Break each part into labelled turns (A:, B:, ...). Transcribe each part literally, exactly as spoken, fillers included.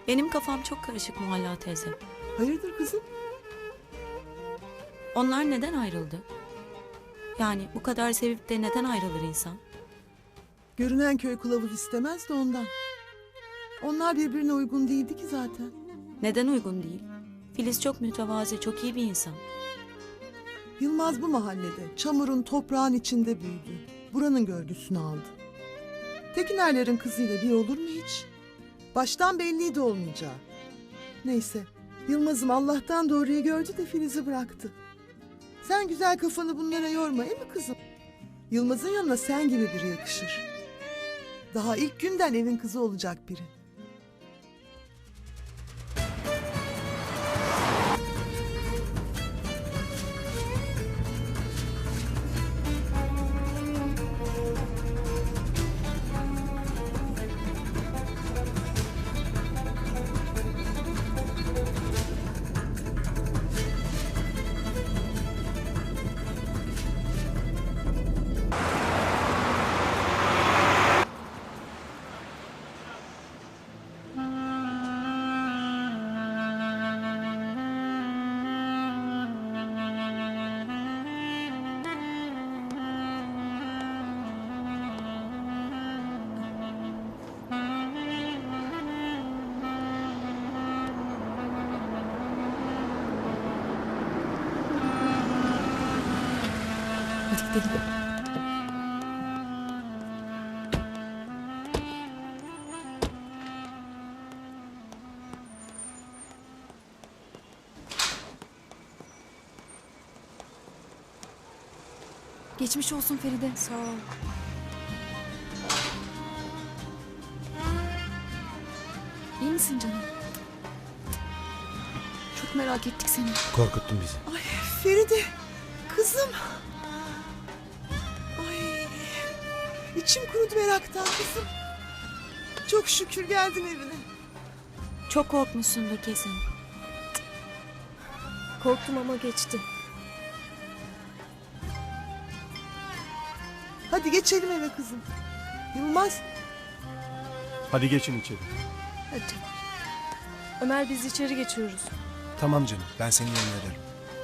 A: Benim kafam çok karışık Muhalla teyze.
B: Hayırdır kızım?
A: Onlar neden ayrıldı? Yani bu kadar sevip de neden ayrılır insan?
B: Görünen köy kılavuz istemez de ondan. Onlar birbirine uygun değildi ki zaten.
A: Neden uygun değil? Filiz çok mütevazi, çok iyi bir insan.
B: Yılmaz bu mahallede çamurun toprağın içinde büyüdü. Buranın görgüsünü aldı. Tekinerlerin kızıyla bir olur mu hiç? Baştan belliydi olmayacağı. Neyse, Yılmaz'ım Allah'tan doğruyu gördü de Filiz'i bıraktı. Sen güzel kafanı bunlara yorma, değil mi kızım? Yılmaz'ın yanına sen gibi biri yakışır. Daha ilk günden evin kızı olacak biri.
A: Hadi gidelim.
C: Geçmiş olsun Feride.
A: Sağ ol.
C: İyi misin canım? Çok merak ettik seni.
D: Korkuttun bizi.
B: Ay Feride, kızım. Ay, içim kurudu meraktan kızım. Çok şükür geldin evine.
A: Çok korkmuşsundur kesin.
C: Korktum ama geçti.
B: Hadi geçelim eve kızım. Yılmaz,
E: Hadi geçin içeri.
C: Hadi. Ömer biz içeri geçiyoruz.
D: Tamam canım, ben senin yanına ederim.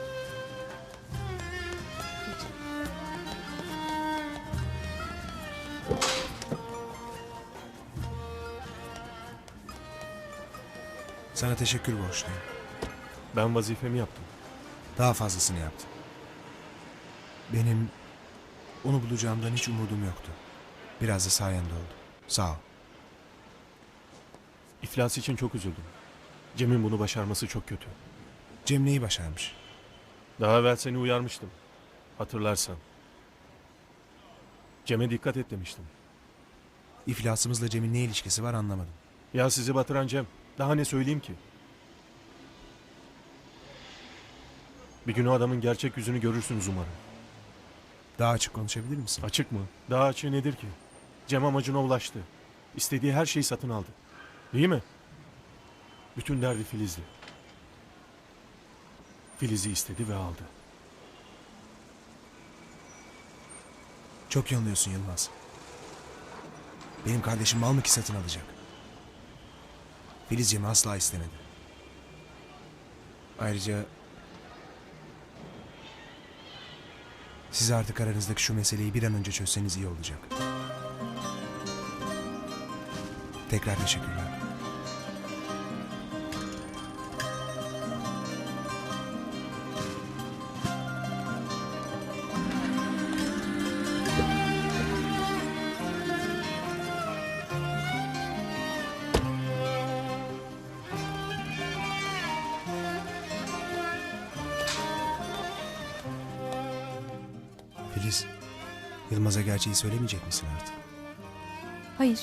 D: Sana teşekkür borçluyum.
E: Ben vazifemi yaptım.
D: Daha fazlasını yaptın. Benim onu bulacağımdan hiç umudum yoktu. Biraz da sayende oldu. Sağ ol.
E: İflas için çok üzüldüm. Cem'in bunu başarması çok kötü.
D: Cem neyi başarmış?
E: Daha evvel seni uyarmıştım. Hatırlarsan. Cem'e dikkat et demiştim.
D: İflasımızla Cem'in ne ilişkisi var anlamadım.
E: Ya sizi batıran Cem. Daha ne söyleyeyim ki? Bir gün o adamın gerçek yüzünü görürsünüz umarım.
D: Daha açık konuşabilir misin?
E: Açık mı? Daha açığı nedir ki? Cem amacına ulaştı. İstediği her şeyi satın aldı. Değil mi? Bütün derdi Filiz'di. Filiz'i istedi ve aldı.
D: Çok yanılıyorsun Yılmaz. Benim kardeşim mal mı ki satın alacak? Filiz Cem'i asla istemedi. Ayrıca siz artık aranızdaki şu meseleyi bir an önce çözseniz iyi olacak. Tekrar teşekkürler. Filiz, Yılmaz'a gerçeği söylemeyecek misin artık?
C: Hayır.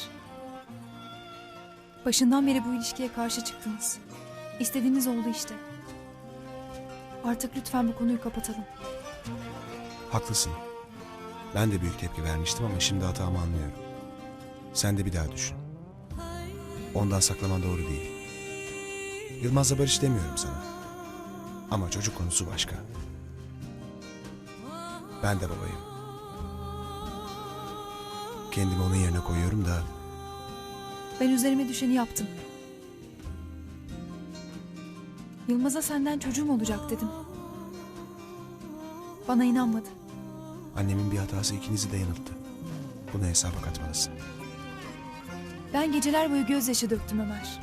C: Başından beri bu ilişkiye karşı çıktınız. İstediğiniz oldu işte. Artık lütfen bu konuyu kapatalım.
D: Haklısın. Ben de büyük tepki vermiştim ama şimdi hatamı anlıyorum. Sen de bir daha düşün. Ondan saklaman doğru değil. Yılmaz'la barış demiyorum sana. Ama çocuk konusu başka. Ben de babayım. Kendimi onun yerine koyuyorum da
C: Ben üzerime düşeni yaptım. Yılmaz'a senden çocuğum olacak dedim. Bana inanmadı.
D: Annemin bir hatası ikinizi de yanılttı. Bunu hesaba katmalısın.
C: Ben geceler boyu gözyaşı döktüm Ömer.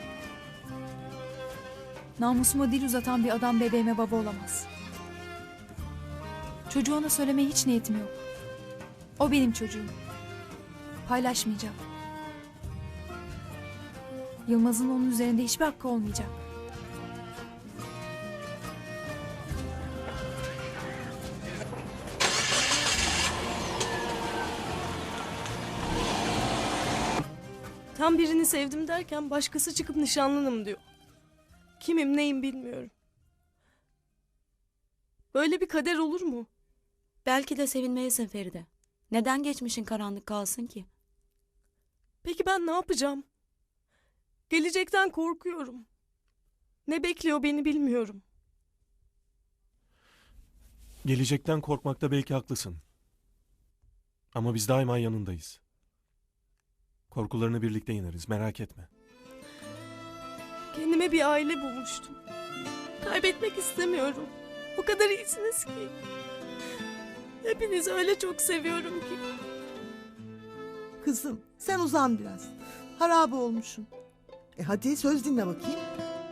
C: Namusuma dil uzatan bir adam bebeğime baba olamaz. Çocuğu ona söylemeye hiç niyetim yok. O benim çocuğum. Paylaşmayacağım. Yılmaz'ın onun üzerinde hiçbir hakkı olmayacak.
F: Tam birini sevdim derken başkası çıkıp nişanlınım diyor. Kimim neyim bilmiyorum. Böyle bir kader olur mu?
A: Belki de sevinmelisin Feride. Neden geçmişin karanlık kalsın ki?
F: Peki ben ne yapacağım? Gelecekten korkuyorum. Ne bekliyor beni bilmiyorum.
E: Gelecekten korkmakta belki haklısın. Ama biz daima yanındayız. Korkularını birlikte yeneriz, merak etme.
F: Kendime bir aile bulmuştum. Kaybetmek istemiyorum. O kadar iyisiniz ki. Hepinizi öyle çok seviyorum ki.
B: Kızım sen uzan biraz. Harabe olmuşsun. E hadi söz dinle bakayım.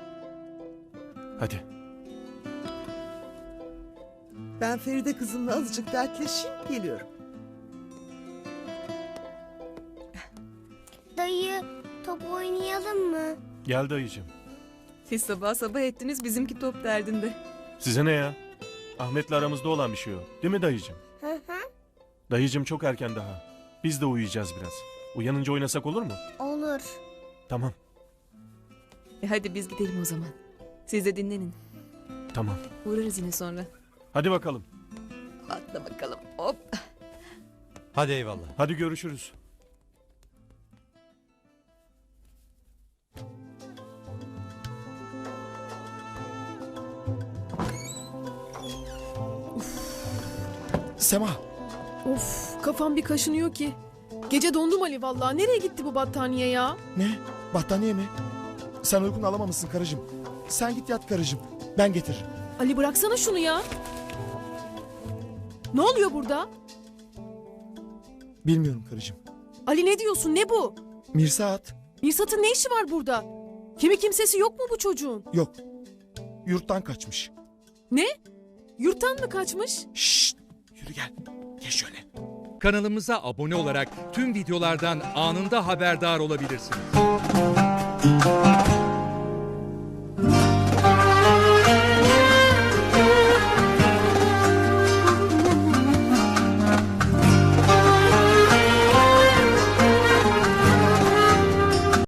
E: Hadi.
B: Ben Feride kızımla azıcık dertleşeyim geliyorum.
G: Dayı, top oynayalım mı?
E: Gel dayıcığım.
H: Siz sabah sabah ettiniz bizimki top derdinde.
E: Size ne ya? Ahmet'le aramızda olan bir şey o. Değil mi dayıcığım?
G: Hı hı.
E: Dayıcığım çok erken daha. Biz de uyuyacağız biraz. Uyanınca oynasak olur mu?
G: Olur.
E: Tamam.
H: E hadi biz gidelim o zaman. Siz de dinlenin.
E: Tamam.
H: Uğrarız yine sonra.
E: Hadi bakalım.
H: Atla bakalım. Hop.
I: Hadi eyvallah.
E: Hadi görüşürüz.
J: Sema,
K: Of, kafam bir kaşınıyor ki. Gece dondum Ali vallahi. Nereye gitti bu battaniye ya?
J: ne? Battaniye mi? Sen uykun alamamışsın karıcığım. Sen git yat karıcığım. Ben getiririm.
K: Ali bıraksana şunu ya. Ne oluyor burada?
J: Bilmiyorum karıcığım.
K: Ali ne diyorsun? Ne bu?
J: Mirsat.
K: Mirsat'ın ne işi var burada? Kimi kimsesi yok mu bu çocuğun?
J: Yok. Yurttan kaçmış.
K: Ne? Yurttan mı kaçmış?
J: Şşt. Yürü gel. Geç şöyle.
L: Kanalımıza abone olarak tüm videolardan anında haberdar olabilirsiniz.